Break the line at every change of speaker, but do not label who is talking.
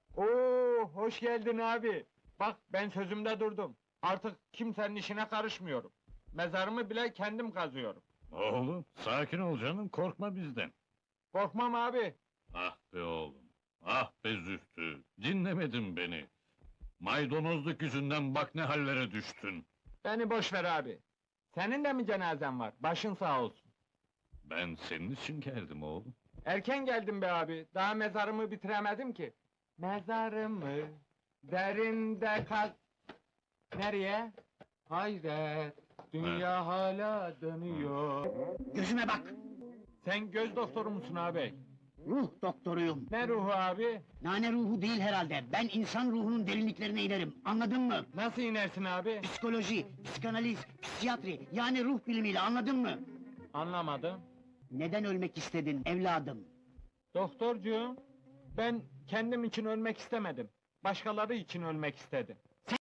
Oo, hoş geldin abi. Bak ben sözümde durdum. Artık kimsenin işine karışmıyorum. Mezarımı bile kendim kazıyorum.
Oğlum, sakin ol canım, korkma bizden.
Korkmam abi.
Ah be oğlum, ah be Zühtü, dinlemedin beni. Maydanozluk yüzünden bak ne hallere düştün.
Beni boş ver abi. Senin de mi cenazen var? Başın sağ olsun.
Ben senin için geldim oğlum.
Erken geldim be abi. Daha mezarımı bitiremedim ki. Mezarımı derinde kaz... Nereye? Hayret, dünya hala dönüyor.
Gözüme bak!
Sen göz doktoru musun abi?
Ruh doktoruyum.
Ne ruhu abi?
Nane ruhu değil herhalde. Ben insan ruhunun derinliklerine inerim. Anladın mı?
Nasıl inersin abi?
Psikoloji, psikanaliz, psikiyatri, yani ruh bilimiyle anladın mı?
Anlamadım.
Neden ölmek istedin evladım?
Doktorcuğum, ben kendim için ölmek istemedim. Başkaları için ölmek istedim.